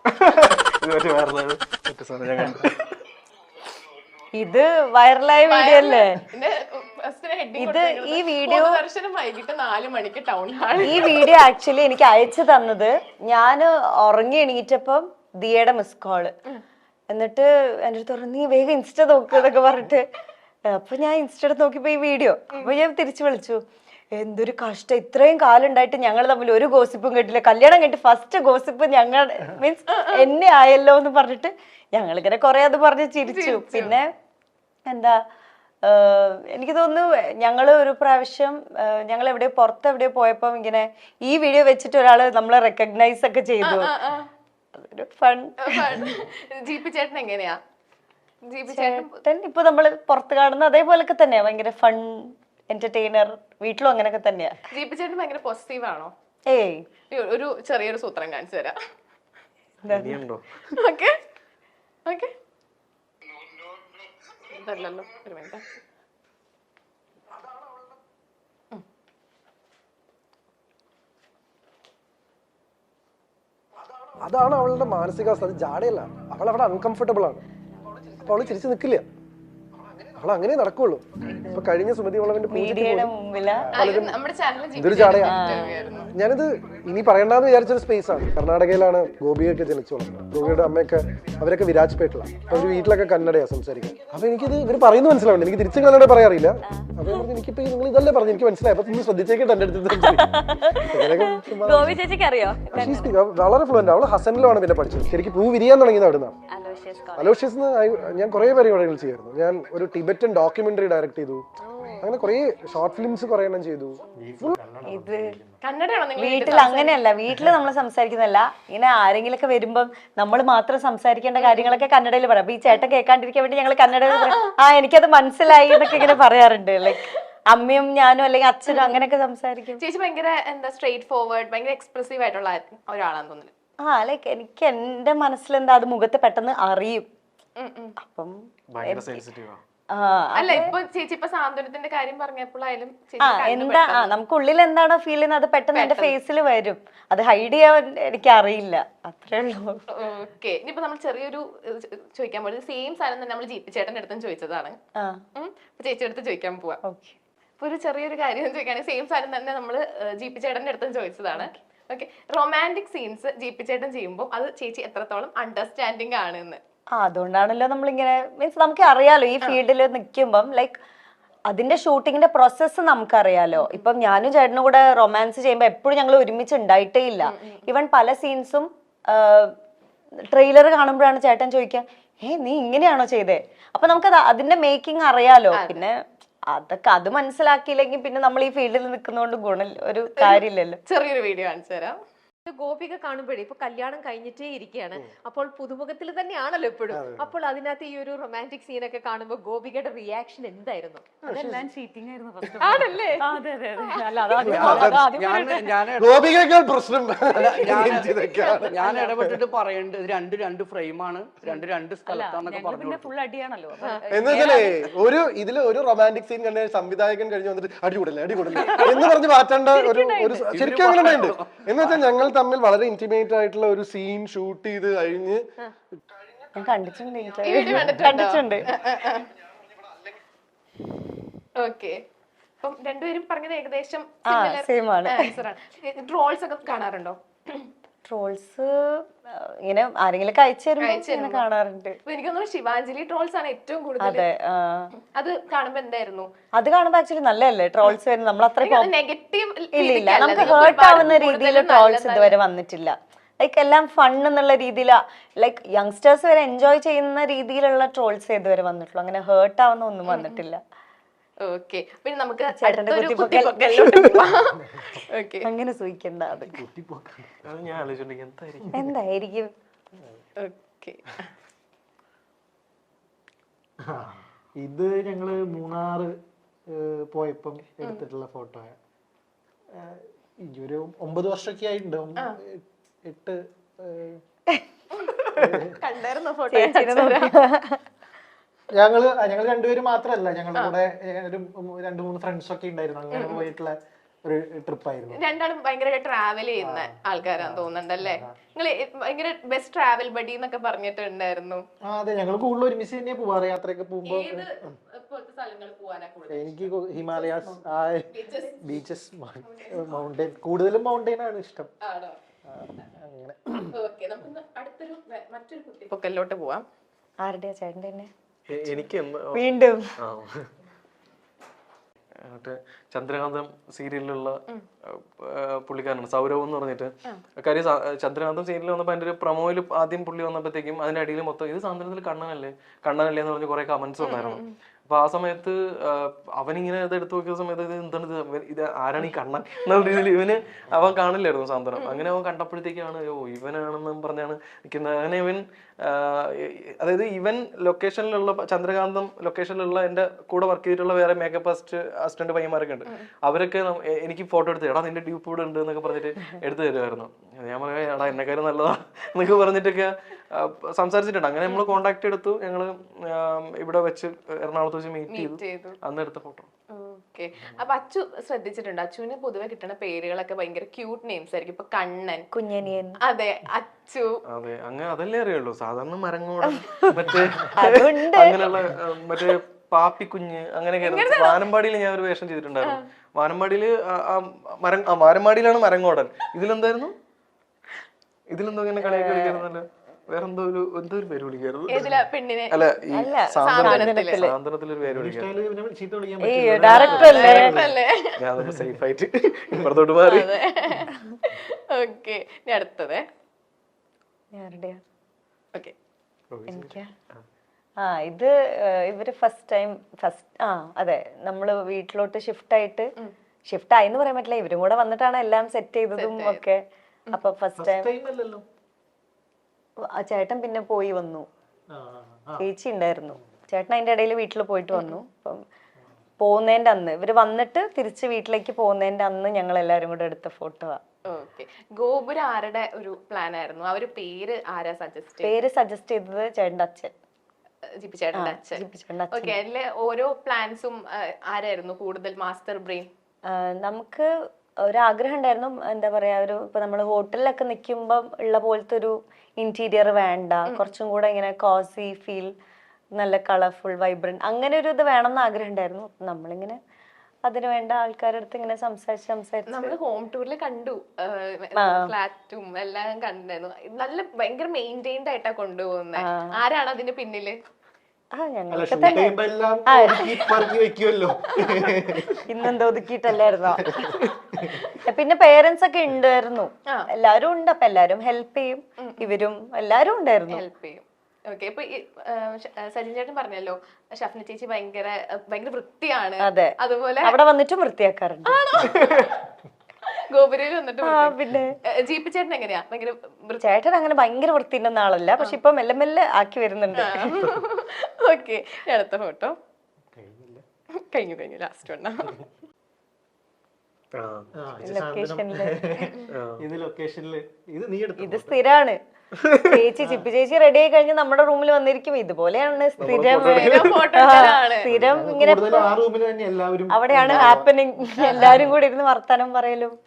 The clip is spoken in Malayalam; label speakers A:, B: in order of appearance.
A: ഇത് വൈറലായ വീഡിയോ അല്ലേ? ഇത് ഈ വീഡിയോ
B: വൈകിട്ട് 4 മണിക്ക് ടൗൺ ഹാൾ.
A: ഈ വീഡിയോ ആക്ച്വലി എനിക്ക് അയച്ചു തന്നത് ഞാൻ ഉറങ്ങി എണീറ്റപ്പം ദിയയുടെ മിസ് കോള്. എന്നിട്ട് എൻ്റെ അടുത്ത് പറഞ്ഞു നീ വേഗം ഇൻസ്റ്റ നോക്കുക എന്നൊക്കെ പറഞ്ഞിട്ട്. അപ്പൊ ഞാൻ ഇൻസ്റ്റ നോക്കിയപ്പോ ഈ വീഡിയോ. അപ്പൊ ഞാൻ തിരിച്ചു വിളിച്ചു. എന്തൊരു കഷ്ടം, ഇത്രയും കാലം ഉണ്ടായിട്ട് ഞങ്ങൾ തമ്മിൽ ഒരു ഗോസിപ്പും കേട്ടില്ല. കല്യാണം കഴിഞ്ഞിട്ട് ഫസ്റ്റ് ഗോസിപ്പ് ഞങ്ങൾ മീൻസ് എന്നെ ആയല്ലോ എന്ന് പറഞ്ഞിട്ട് ഞങ്ങളിങ്ങനെ കുറെ അത് പറഞ്ഞ് ചിരിച്ചു. പിന്നെ എന്താ എനിക്ക് തോന്നുന്നു ഞങ്ങള് ഒരു പ്രാവശ്യം ഞങ്ങൾ എവിടെയോ പുറത്ത് എവിടെയോ പോയപ്പോ ഇങ്ങനെ ഈ വീഡിയോ വെച്ചിട്ട് ഒരാള് നമ്മളെ റെക്കഗ്നൈസ് ഒക്കെ ചെയ്തു. അതൊരു ഫൺ.
B: ജീപ്പി ചേട്ടൻ എങ്ങനെയാ? ജീപ്പി
A: ചേട്ടൻ ഇപ്പൊ നമ്മള് പുറത്ത് കാണുന്ന അതേപോലൊക്കെ തന്നെയാ, ഭയങ്കര ഫൺ എന്റർടൈനർ. വീട്ടിലും അങ്ങനെയൊക്കെ തന്നെയാ.
B: ജീപ്പി ചേട്ടൻ ഭയങ്കര പോസിറ്റീവ് ആണോ?
A: ഏയ്
B: ഒരു ചെറിയൊരു സൂത്രം കാണിച്ചു തരാം. ഇതല്ലല്ലോ, ഒരു മിനിറ്റ്.
C: അതാണ് അവളുടെ മാനസികാവസ്ഥ. അത് ജാടയല്ല, അവൾ അവിടെ അൺകംഫർട്ടബിൾ ആണ്. അപ്പൊ അവള് ചിരിച്ചു നിൽക്കില്ല, അവൾ അങ്ങനെ നടക്കുള്ളൂ. ഇപ്പൊ കഴിഞ്ഞ സുമതി വളവിന്റെ ഇതൊരു ജാടയാ. ഞാനിത് ഇനി പറയണ്ടെന്ന് വിചാരിച്ചൊരു സ്പേസ് ആണ്. കർണാടകയിലാണ് ഗോപിയൊക്കെ ജനിച്ചു വളർന്നത്. ഗോപിയുടെ അമ്മയൊക്കെ അവരൊക്കെ വിരാജ്പേട്ടിലാണ്. അപ്പൊ ഒരു വീട്ടിലൊക്കെ കന്നഡയാ സംസാരിക്കാൻ. അപ്പൊ എനിക്കിത് ഇവർ പറയുന്നത് മനസ്സിലാവുന്നുണ്ട്. എനിക്ക് തിരിച്ചും കന്നഡ പറയാറില്ല. അപ്പൊ പറഞ്ഞു എനിക്കിപ്പോ നിങ്ങൾ ഇതല്ലേ പറഞ്ഞു, എനിക്ക് മനസ്സിലായി. അപ്പൊ നിങ്ങൾ ശ്രദ്ധിച്ചേക്കിട്ട് എന്റെ അടുത്ത് വളരെ ഫ്ലുവന്റ്. അവള് ഹസനിലാണ് പിന്നെ പഠിച്ചത്. ശരിക്കും പൂ വിരിയാൻ തുടങ്ങിയത് അവിടുന്നാണ്. അലോഷ്യസ് ഞാൻ കുറെ പരിപാടികൾ ചെയ്യായിരുന്നു. ഞാൻ ഒരു ടിബറ്റൻ ഡോക്യുമെന്ററി ഡയറക്ട് ചെയ്തു. അങ്ങനെ കുറെ ഷോർട്ട് ഫിലിംസ് കുറെ എണ്ണം ചെയ്തു.
A: ഇത് വീട്ടിൽ അങ്ങനെയല്ല, വീട്ടില് നമ്മൾ സംസാരിക്കുന്നല്ല. ഇങ്ങനെ ആരെങ്കിലൊക്കെ വരുമ്പം നമ്മൾ മാത്രം സംസാരിക്കേണ്ട കാര്യങ്ങളൊക്കെ കന്നഡയിൽ പറയാം. അപ്പൊ ഈ ചേട്ടൻ കേൾക്കാണ്ടിരിക്കാൻ വേണ്ടി ഞങ്ങൾ കന്നഡയിൽ പറയാം. എനിക്കത് മനസ്സിലായി എന്നൊക്കെ ഇങ്ങനെ പറയാറുണ്ട്. ലൈക്ക് അമ്മയും ഞാനും അല്ലെങ്കിൽ അച്ഛനും അങ്ങനെയൊക്കെ സംസാരിക്കും.
B: ചേച്ചി ഭയങ്കര എന്താ സ്ട്രേറ്റ് ഫോർവേഡ്, ഭയങ്കര എക്സ്പ്രസീവ് ആയിട്ടുള്ള ഒരാളാന്ന് തോന്നുന്നു.
A: ലൈക്ക് എനിക്ക് എന്റെ മനസ്സിലെന്താ അത് മുഖത്ത് പെട്ടെന്ന് അറിയും. അപ്പം
B: അല്ല ഇപ്പൊ ചേച്ചി ഇപ്പൊ സാന്ത്വനത്തിന്റെ കാര്യം പറഞ്ഞപ്പോഴായാലും
A: എന്താ നമുക്ക് ഉള്ളിൽ എന്താണോ ഫീൽ ചെയ്യുന്നത് അത് പെട്ടെന്ന് എന്റെ ഫേസിൽ വരും. അത് ഹൈഡ് ചെയ്യാൻ എനിക്ക് അറിയില്ല, അത്രേ ഉള്ളൂ.
B: ഓക്കെ, ഇനിയിപ്പോ നമ്മൾ ചെറിയൊരു ചോദിക്കാൻ പോകുന്നത് സെയിം സാധനം തന്നെ നമ്മൾ ജീപ്പി ചേട്ടന്റെ അടുത്തും ചോദിച്ചതാണ്. ചേച്ചിയുടെ അടുത്ത് ചോദിക്കാൻ പോവാ. ഇപ്പൊ ഒരു ചെറിയൊരു കാര്യം ചോദിക്കുകയാണെങ്കിൽ സെയിം സാധനം തന്നെ നമ്മള് ജീപ്പി ചേട്ടന്റെ അടുത്തും ചോദിച്ചതാണ്. ഓക്കെ, റൊമാൻറ്റിക് സീൻസ് ജീപ്പി ചേട്ടൻ ചെയ്യുമ്പോൾ അത് ചേച്ചി എത്രത്തോളം അണ്ടർസ്റ്റാൻഡിങ് ആണ് എന്ന്?
A: അതുകൊണ്ടാണല്ലോ നമ്മളിങ്ങനെ മീൻസ് നമുക്ക് അറിയാലോ ഈ ഫീൽഡിൽ നിൽക്കുമ്പം ലൈക്ക് അതിന്റെ ഷൂട്ടിങ്ങിന്റെ പ്രോസസ്സ് നമുക്കറിയാലോ. ഇപ്പം ഞാനും ചേട്ടനും കൂടെ റൊമാൻസ് ചെയ്യുമ്പോൾ എപ്പോഴും ഞങ്ങൾ ഒരുമിച്ച് ഉണ്ടായിട്ടേ ഇല്ല. ഈവൻ പല സീൻസും ട്രെയിലർ കാണുമ്പോഴാണ് ചേട്ടൻ ചോദിക്കുക നീ ഇങ്ങനെയാണോ ചെയ്തേ? അപ്പൊ നമുക്കത് അതിന്റെ മേക്കിംഗ് അറിയാലോ. പിന്നെ അതൊക്കെ അത് മനസ്സിലാക്കിയില്ലെങ്കിൽ പിന്നെ നമ്മൾ ഈ ഫീൽഡിൽ നിൽക്കുന്നതുകൊണ്ട് ഗുണം ഒരു കാര്യമില്ലല്ലോ.
B: ചെറിയൊരു വീഡിയോ കാണിച്ചു തരാം.
D: ഗോപിക കാണുമ്പോഴേ ഇപ്പൊ കല്യാണം കഴിഞ്ഞിട്ടേ ഇരിക്കുകയാണ്. അപ്പോൾ പുതുമുഖത്തിൽ തന്നെയാണല്ലോ എപ്പോഴും. അപ്പോൾ അതിനകത്ത് ഈ ഒരു റൊമാൻറ്റിക് സീനൊക്കെ കാണുമ്പോൾ ഗോപികയുടെ റിയാക്ഷൻ എന്തായിരുന്നു? ആണല്ലേ?
E: ഞാൻ ഇടപെട്ടിട്ട് പറയേണ്ടത് രണ്ട് ഫ്രെയിമാണ്, രണ്ട് സ്ഥലത്താന്നൊക്കെ പറഞ്ഞു.
C: ഒരു ഇതില് ഒരു റൊമാൻറ്റിക് സീൻ കണ്ട സംവിധായകൻ കഴിഞ്ഞ് വന്നിട്ട് അടികൂടല്ലേ എന്ന് പറഞ്ഞ് മാറ്റേണ്ട ഒരു ശരിക്കും അങ്ങനെ ഉണ്ട്. എന്ന് വെച്ചാൽ ഞങ്ങൾ തമ്മിൽ വളരെ ഇന്റിമേറ്റ് ആയിട്ടുള്ള ഒരു സീൻ ഷൂട്ട് ചെയ്ത് കഴിഞ്ഞ്
A: കണ്ടിട്ടുണ്ട്.
B: ഓക്കെ, അപ്പം രണ്ടുപേരും പറഞ്ഞത് ഏകദേശം ട്രോൾസ് ഒക്കെ കാണാറുണ്ടോ?
A: ട്രോൾസ് ഇങ്ങനെ ആരെങ്കിലും അയച്ചു തരുമ്പോ കാണാറുണ്ട്.
B: എനിക്ക് തോന്നുന്നു ശിവാഞ്ജലി ട്രോൾസ് ആണ് ഏറ്റവും കൂടുതൽ. അത് കാണുമ്പോ എന്തായിരുന്നു?
A: അത് കാണുമ്പോ ആക്ച്വലി നല്ലതല്ലേ ട്രോൾസ് വരുന്നത്? നമ്മൾ അത്ര
B: നെഗറ്റീവ്
A: ഇല്ല, നമുക്ക് ഹേർട്ട് ആവുന്ന രീതിയിൽ ട്രോൾസ് ഇതുവരെ വന്നിട്ടില്ല. ലൈക്ക് എല്ലാം ഫൺ എന്നുള്ള രീതിയിലാ, ലൈക്ക് യങ്സ്റ്റേഴ്സ് വരെ എൻജോയ് ചെയ്യുന്ന രീതിയിലുള്ള ട്രോൾസ് ഇതുവരെ വന്നിട്ടുള്ളൂ. അങ്ങനെ ഹേർട്ട് ആവുന്ന ഒന്നും വന്നിട്ടില്ല.
B: ഓക്കെ, പിന്നെ നമുക്ക്
A: അങ്ങനെ സൂഹിക്കണ്ട. അത് എന്തായിരിക്കും?
F: ഇത് ഞങ്ങള് മൂന്നാറ് പോയപ്പം എടുത്തിട്ടുള്ള ഫോട്ടോ. ഒരു 9 വർഷമൊക്കെ ആയിട്ടുണ്ടാവും. 8
B: കണ്ടായിരുന്നോ ഫോട്ടോ?
F: ഞങ്ങൾ രണ്ടുപേരും മാത്രമല്ല, ഞങ്ങളുടെ കൂടെ ഒരു 2-3 ഫ്രണ്ട്സ് ഒക്കെ ഉണ്ടായിരുന്നു. അങ്ങനെ പോയിട്ടുള്ള ഒരു ട്രിപ്പായിരുന്നു.
B: രണ്ടാളും ഭയങ്കര ട്രാവൽ ചെയ്യുന്ന ആൾക്കാരാന്ന് തോന്നുന്നുണ്ടല്ലേ? നിങ്ങൾ ഭയങ്കര ബെസ്റ്റ് ട്രാവൽ ബഡി എന്നൊക്കെ പറഞ്ഞിട്ടുണ്ടായിരുന്നു.
F: അതെ, ഞങ്ങൾ കൂടുതൽ ഒരുമിച്ച് തന്നെയാ പോവാറ്. യാത്രയൊക്കെ പോകുമ്പോ
B: ഇപ്പോഴത്തെ സ്ഥലങ്ങൾ പോവാനാ കൂടുതൽ
F: എനിക്ക് ഹിമാലയാസ്, ബീച്ചസ്, മൗണ്ടൈൻ, കൂടുതലും മൗണ്ടൈൻ ആണ് ഇഷ്ടം.
B: ആണോ?
F: അങ്ങനെ
B: ഓക്കെ, നമുക്ക് അടുത്തൊരു മറ്റൊരു കുട്ടിപ്പൊക്കലിലോട്ട് പോവാം.
A: ആരുടെയാ? ചേട്ടൻ്റെ തന്നെ
G: എനിക്ക്
A: വീണ്ടും
G: മറ്റേ ചന്ദ്രകാന്തം സീരിയലിലുള്ള പുള്ളിക്കാരനാണ് സൗരവ് എന്ന് പറഞ്ഞിട്ട്. കാര്യം ചന്ദ്രകാന്തം സീരിയൽ വന്നപ്പോൾ അതിന്റെ ഒരു പ്രൊമോയിൽ ആദ്യം പുള്ളി വന്നപ്പോഴത്തേക്കും അതിന്റെ അടിയിൽ മൊത്തം ഇത് സാന്ത്വനത്തിൽ കണ്ണനല്ലേ കണ്ണനല്ലേ എന്ന് പറഞ്ഞ് കുറെ കമന്റ്സ് ഉണ്ടായിരുന്നു. അപ്പൊ ആ സമയത്ത് അവനിങ്ങനെ ഇത് എടുത്തു നോക്കിയ സമയത്ത് ഇത് എന്താണ് ഇത് ആരാണ് ഈ കണ്ണൻ എന്നുള്ള രീതിയിൽ ഇവന് അവൻ കാണില്ലായിരുന്നു സാന്ത്വനം. അങ്ങനെ അവൻ കണ്ടപ്പോഴത്തേക്കാണ് ഇവനാണെന്ന് പറഞ്ഞാണ് നിൽക്കുന്നത്. അങ്ങനെ ഇവൻ അതായത് ഇവൻ ലൊക്കേഷനിലുള്ള ചന്ദ്രകാന്തം ലൊക്കേഷനിലുള്ള എന്റെ കൂടെ വർക്ക് ചെയ്തിട്ടുള്ള വേറെ മേക്കപ്പ് അസിസ്റ്റന്റ് പയ്യന്മാരൊക്കെ ഉണ്ട്. അവരൊക്കെ എനിക്ക് ഫോട്ടോ എടുത്ത് എടാ നിന്റെ ഡ്യൂപ്പ് ഇവിടെ ഉണ്ട് എന്നൊക്കെ പറഞ്ഞിട്ട് എടുത്തു തരുമായിരുന്നു. ഞാൻ പറയാം എടാ എന്നെക്കാരും നല്ലതാ എന്നൊക്കെ പറഞ്ഞിട്ടൊക്കെ സംസാരിച്ചിട്ടുണ്ട്. അങ്ങനെ നമ്മൾ കോണ്ടാക്ട് എടുത്തു. ഞങ്ങള് ഇവിടെ വെച്ച് എറണാകുളത്ത് വെച്ച് മീറ്റ് ചെയ്തു. അന്ന് എടുത്ത ഫോട്ടോ.
B: ഓക്കെ, അപ്പൊ അച്ചു ശ്രദ്ധിച്ചിട്ടുണ്ട്, അച്ചുവിന് പൊതുവെ കിട്ടുന്ന പേരുകളൊക്കെ ഭയങ്കര ക്യൂട്ട് നെയിംസ് ആയിരിക്കും. ഇപ്പൊ കണ്ണൻ,
A: കുഞ്ഞനിയൻ,
B: അതെ അച്ചു,
G: അതെ അങ്ങനെ അതല്ലേ അറിയുള്ളൂ. സാധാരണ മരങ്ങോടൻ മറ്റേ അങ്ങനെയുള്ള മറ്റേ പാപ്പിക്കുഞ്ഞ് അങ്ങനെയൊക്കെ. വാനമ്പാടിയിൽ ഞാൻ ഒരു വേഷം ചെയ്തിട്ടുണ്ടായിരുന്നു. വാനമ്പാടിയില് വാനമ്പാടിയിലാണ് മരങ്ങോടൻ. ഇതിലെന്തായിരുന്നു? ഇതിലെന്തോ ഇങ്ങനെ കളിയൊക്കെ കളിക്കായിരുന്നല്ലോ. വേറെന്തോ ഒരു പേര് വിളിക്കായിരുന്നു. അല്ല ഈ സാന്ത്വനത്തിലൊരു പേര് വിളിക്കായിരുന്നു. ഞാൻ സേഫ് ആയിട്ട് ഇപ്പുറത്തോട്ട് മാറി.
B: ഓക്കെ, അടുത്തത് ഓക്കെ
A: എനിക്കാ ഇത് ഇവര് അതെ നമ്മള് വീട്ടിലോട്ട് ഷിഫ്റ്റ് ആയിന്ന് പറയാൻ പറ്റില്ല. ഇവരും കൂടെ വന്നിട്ടാണ് എല്ലാം സെറ്റ് ചെയ്തതും ഒക്കെ. അപ്പൊ ഫസ്റ്റ് ടൈം ചേട്ടൻ പിന്നെ പോയി വന്നു, ചേച്ചി ഉണ്ടായിരുന്നു. ചേട്ടൻ അതിന്റെ ഇടയിൽ വീട്ടിൽ പോയിട്ട് വന്നു. അപ്പം പോകുന്നതിന്റെ അന്ന് ഇവര് വന്നിട്ട് തിരിച്ച് വീട്ടിലേക്ക് പോകുന്നതിന്റെ അന്ന് ഞങ്ങൾ എല്ലാരും കൂടെ എടുത്ത ഫോട്ടോ.
B: ഓക്കെ, ഗോപുരം ആരുടെ ഒരു പ്ലാൻ ആയിരുന്നു? അവര് പേര് ആരാ സജസ്റ്റ്
A: ചെയ്തത്? ചേട്ടന്റെ അച്ഛൻ,
B: ജിപ്പി ചേട്ടന്റെ അച്ഛൻ. ഓക്കെ, അതിലെ ഓരോ പ്ലാൻസും ആരായിരുന്നു കൂടുതൽ മാസ്റ്റർ ബ്രെയിൻ?
A: നമുക്ക് ഒരാഗ്രഹം ഉണ്ടായിരുന്നു, എന്താ പറയാ, ഇപ്പൊ നമ്മള് ഹോട്ടലിലൊക്കെ നിൽക്കുമ്പം ഉള്ള പോലത്തെ ഒരു ഇന്റീരിയർ വേണ്ട, കുറച്ചും കൂടെ ഇങ്ങനെ കോസി ഫീൽ, നല്ല കളർഫുൾ വൈബ്രന്റ് അങ്ങനെ ഒരു ഇത് വേണമെന്ന് ആഗ്രഹം ഉണ്ടായിരുന്നു. നമ്മളിങ്ങനെ അതിന് വേണ്ട ആൾക്കാരുടെ അടുത്ത് ഇങ്ങനെ സംസാരിച്ച്
B: നമ്മള് ഹോം ടൂറിൽ കണ്ടു, ഫ്ലാറ്റും എല്ലാം കണ്ടായിരുന്നു. നല്ല ഭയങ്കര മെയിൻറ്റൈൻഡ് ആയിട്ടാ കൊണ്ടുപോകുന്നത്. ആരാണ് അതിന്റെ പിന്നില്?
A: ഇന്നെന്തോ ഒതുക്കിയിട്ടല്ലായിരുന്നോ? പിന്നെ പേരൻസ് ഒക്കെ ഉണ്ടായിരുന്നു, എല്ലാരും ഉണ്ട്. അപ്പൊ എല്ലാരും ഹെൽപ്പ് ചെയ്യും, ഇവരും എല്ലാരും ഉണ്ടായിരുന്നു
B: ഹെൽപ്പ് ചെയ്യും. ഓക്കെ, ഇപ്പൊ സജിൻ ചേട്ടൻ പറഞ്ഞല്ലോ ഷഫ്ന ചേച്ചി ഭയങ്കര വൃത്തിയാണ്.
A: അതെ,
B: അതുപോലെ
A: അവിടെ വന്നിട്ടും വൃത്തിയാക്കാറുണ്ട്.
B: ഗോപുരയിൽ വന്നിട്ട്
A: പിന്നെ
B: ജീപ്പി ചേട്ടൻ എങ്ങനെയാ? ഭയങ്കര
A: ചേട്ടൻ അങ്ങനെ ഭയങ്കര വൃത്തിൻ്റെ ആളല്ല, പക്ഷെ ഇപ്പൊ മെല്ലെ മെല്ലെ ആക്കി വരുന്നുണ്ട്.
B: ഓക്കെ, അടുത്ത ഫോട്ടോ കഴിഞ്ഞു ലാസ്റ്റ് വണ്ണ.
A: ഇത് സ്ഥിരാണ്. ചിപ്പി ചേച്ചി റെഡി ആയി കഴിഞ്ഞ് നമ്മുടെ റൂമിൽ വന്നിരിക്കും. ഇതുപോലെയാണ് സ്ഥിരം ഇങ്ങനെ അവിടെയാണ് ഹാപ്പനിങ്. എല്ലാരും കൂടി ഇരുന്ന് വർത്താനം പറയലും